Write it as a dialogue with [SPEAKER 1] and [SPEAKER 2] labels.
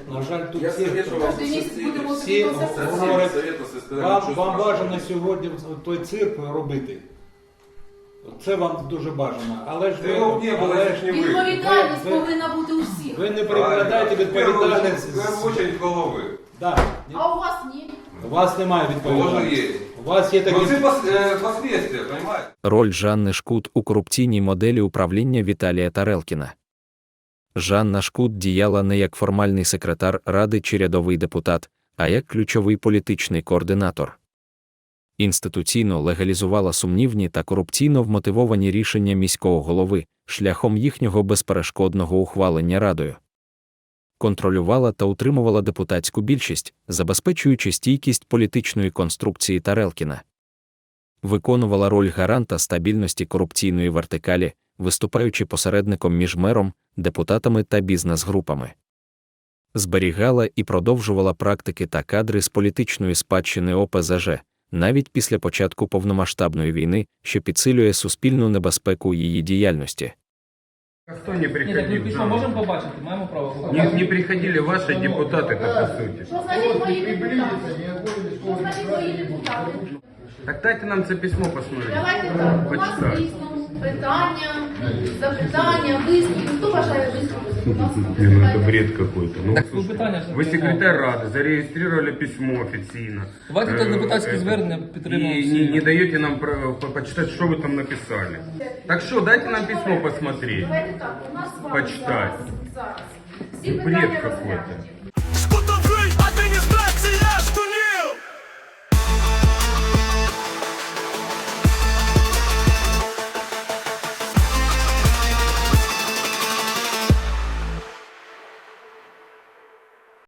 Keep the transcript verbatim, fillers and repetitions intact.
[SPEAKER 1] На жаль, тут
[SPEAKER 2] Я
[SPEAKER 1] всі,
[SPEAKER 2] советую вам
[SPEAKER 3] Кожен місяць будемо
[SPEAKER 1] всі
[SPEAKER 3] собі консультації.
[SPEAKER 1] говорять,
[SPEAKER 2] Совета со стороны
[SPEAKER 1] вам,
[SPEAKER 2] чувства.
[SPEAKER 1] вам бажано сьогодні той цирк робити. Це вам дуже бажано. Але ж ви,
[SPEAKER 2] Його не було,
[SPEAKER 1] але
[SPEAKER 2] це
[SPEAKER 1] ж
[SPEAKER 2] не ви.
[SPEAKER 3] Відповідальність
[SPEAKER 1] Ви- ви-
[SPEAKER 3] повинна бути у всіх.
[SPEAKER 1] ви не перекладаєте відповідальність.
[SPEAKER 2] В первую очередь головы.
[SPEAKER 1] Да.
[SPEAKER 3] А у вас ні.
[SPEAKER 1] У вас немає
[SPEAKER 2] Тоже
[SPEAKER 1] відповідальності.
[SPEAKER 2] есть.
[SPEAKER 1] У вас є такі...
[SPEAKER 2] Но это пос- э, последствия, понимаете?
[SPEAKER 4] Роль Жанни Шкут у корупційній моделі управління Віталія Тарелкіна. Жанна Шкут діяла не як формальний секретар Ради чи рядовий депутат, а як ключовий політичний координатор. Інституційно легалізувала сумнівні та корупційно вмотивовані рішення міського голови шляхом їхнього безперешкодного ухвалення Радою. Контролювала та утримувала депутатську більшість, забезпечуючи стійкість політичної конструкції Тарелкіна. Виконувала роль гаранта стабільності корупційної вертикалі, виступаючи посередником між мером, депутатами та бізнес-групами. Зберігала і продовжувала практики та кадри з політичної спадщини О Пе Зе Же, навіть після початку повномасштабної війни, що підсилює суспільну небезпеку її діяльності.
[SPEAKER 5] Хто не
[SPEAKER 6] Ні, так ми
[SPEAKER 5] приходив?
[SPEAKER 6] пішов, можемо побачити, маємо право побачити.
[SPEAKER 5] Не, не приходили ваши депутаты, так по сути.
[SPEAKER 3] Що значить мої депутати? Що значить мої депутати?
[SPEAKER 5] Так дайте нам це письмо посмотреть.
[SPEAKER 3] Давайте так, у нас
[SPEAKER 5] Почитаю.
[SPEAKER 3] дійсно питання, запитання, висловлення. Хто бажає висловитися? Будь ласка.
[SPEAKER 5] Не, ну это бред какой-то. Ну,
[SPEAKER 6] Так,
[SPEAKER 5] слушай,
[SPEAKER 6] ну, питання ж
[SPEAKER 5] вы
[SPEAKER 6] не
[SPEAKER 5] секретарь Рады, зарегистрировали письмо официально.
[SPEAKER 6] Давайте так
[SPEAKER 5] Э,
[SPEAKER 6] депутатське
[SPEAKER 5] это,
[SPEAKER 6] звернення
[SPEAKER 5] И
[SPEAKER 6] підтримуємо
[SPEAKER 5] не,
[SPEAKER 6] всі.
[SPEAKER 5] не даете нам про- по- почитать, что вы там написали. Так что, дайте нам письмо посмотреть.
[SPEAKER 3] Давайте так, у нас з вами
[SPEAKER 5] Почитати.
[SPEAKER 3] зараз, зараз. Всі
[SPEAKER 5] Бред
[SPEAKER 3] питання
[SPEAKER 5] какой-то.
[SPEAKER 3] розглянуті.